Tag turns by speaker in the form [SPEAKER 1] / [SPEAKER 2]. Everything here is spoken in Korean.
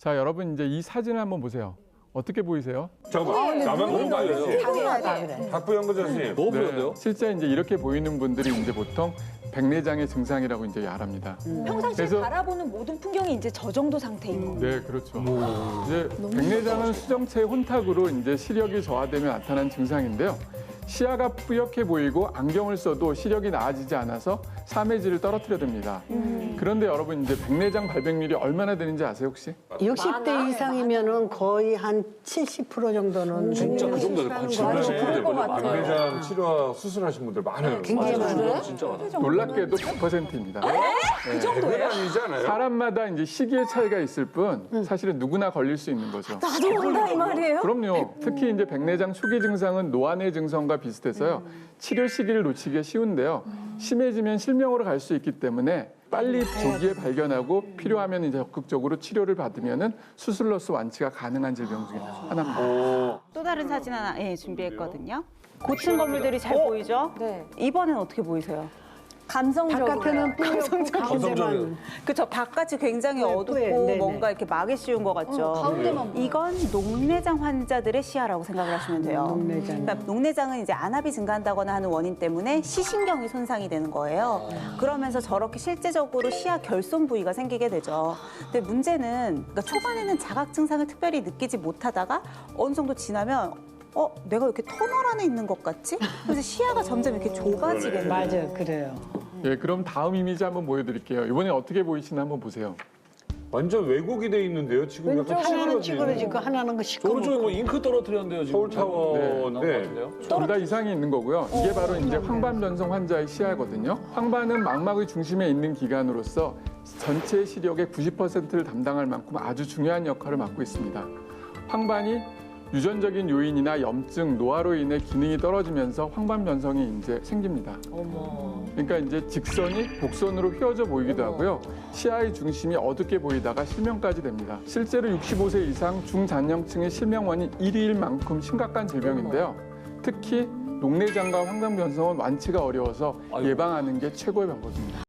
[SPEAKER 1] 자, 여러분 이제 이 사진을 한번 보세요. 어떻게 보이세요?
[SPEAKER 2] 잠깐만, 나만 보는 거 아니에요? 박부영 그 선생님.
[SPEAKER 3] 너무 부러운데요?
[SPEAKER 1] 실제 이제 이렇게 보이는 분들이 이제 보통 백내장의 증상이라고 이제 말합니다.
[SPEAKER 4] 평상시에
[SPEAKER 1] 그래서-
[SPEAKER 4] 바라보는 모든 풍경이 이제 저 정도 상태인 거예요.
[SPEAKER 1] 네, 그렇죠. 이제 백내장은 수정체의 혼탁으로 이제 시력이 저하되며 나타난 증상인데요. 시야가 뿌옇게 보이고 안경을 써도 시력이 나아지지 않아서 사매질을 떨어뜨려 듭니다. 그런데 여러분 이제 백내장 발병률이 얼마나 되는지 아세요 혹시?
[SPEAKER 5] 60대 이상이면은 거의 한 70% 정도는
[SPEAKER 3] 진짜 그 정도 한 70% 될 걸요.
[SPEAKER 2] 백내장 치료 수술하신 분들 많아요.
[SPEAKER 5] 굉장히 많아요.
[SPEAKER 3] 진짜 많아.
[SPEAKER 1] 놀랍게도 100%입니다.
[SPEAKER 4] 그 정도예요?
[SPEAKER 2] 그건 아니지 않아요?
[SPEAKER 1] 사람마다 이제 시기의 차이가 있을 뿐 사실은 누구나 걸릴 수 있는 거죠.
[SPEAKER 4] 나도 온다 이 말이에요?
[SPEAKER 1] 그럼요. 특히 이제 백내장 초기 증상은 노안의 증상과 비슷해서요. 치료 시기를 놓치기가 쉬운데요. 심해지면 실명으로 갈 수 있기 때문에 빨리 조기에 발견하고 필요하면 이제 적극적으로 치료를 받으면은 수술로서 완치가 가능한 질병 중에 하나입니다.
[SPEAKER 6] 또 다른 사진 하나 준비했거든요. 고층 건물들이 잘 보이죠?
[SPEAKER 4] 네.
[SPEAKER 6] 이번엔 어떻게 보이세요?
[SPEAKER 4] 감성적으로.
[SPEAKER 5] 바깥에는 뿌옇고 가운데만
[SPEAKER 6] 그쵸, 바깥이 굉장히
[SPEAKER 5] 네,
[SPEAKER 6] 어둡고
[SPEAKER 5] 네네.
[SPEAKER 6] 뭔가 이렇게 막이 씌운 것 같죠.
[SPEAKER 4] 가운데만 보여.
[SPEAKER 6] 이건 녹내장 환자들의 시야라고 생각을 하시면 돼요.
[SPEAKER 5] 녹내장.
[SPEAKER 6] 그러니까 녹내장은 이제 안압이 증가한다거나 하는 원인 때문에 시신경이 손상이 되는 거예요. 그러면서 저렇게 실제적으로 시야 결손 부위가 생기게 되죠. 근데 문제는 그러니까 초반에는 자각 증상을 특별히 느끼지 못하다가 어느 정도 지나면 내가 이렇게 터널 안에 있는 것 같지? 그래서 시야가 점점 이렇게 좁아지게 돼요.
[SPEAKER 5] 맞아요, 그래요.
[SPEAKER 1] 예, 그럼 다음 이미지 한번 보여드릴게요. 이번에 어떻게 보이시나 한번 보세요.
[SPEAKER 2] 완전 왜곡이 돼 있는데요. 지금 약간
[SPEAKER 5] 하나는
[SPEAKER 2] 찌그러진.
[SPEAKER 5] 찌그러지고 하나는 그
[SPEAKER 3] 오른쪽에
[SPEAKER 5] 시커멓고.
[SPEAKER 3] 뭐 잉크 떨어뜨렸는데요, 지금.
[SPEAKER 2] 서울타워인데.
[SPEAKER 1] 둘 다 이상이 있는 거고요. 이게 바로 이제 황반 변성 환자의 시야거든요. 황반은 망막의 중심에 있는 기관으로서 전체 시력의 90%를 담당할 만큼 아주 중요한 역할을 맡고 있습니다. 황반이 유전적인 요인이나 염증, 노화로 인해 기능이 떨어지면서 황반 변성이 이제 생깁니다. 그러니까 이제 직선이 곡선으로 휘어져 보이기도 하고요. 시야의 중심이 어둡게 보이다가 실명까지 됩니다. 실제로 65세 이상 중장년층의 실명원인 1위일 만큼 심각한 질병인데요. 특히 녹내장과 황반 변성은 완치가 어려워서 예방하는 게 최고의 방법입니다.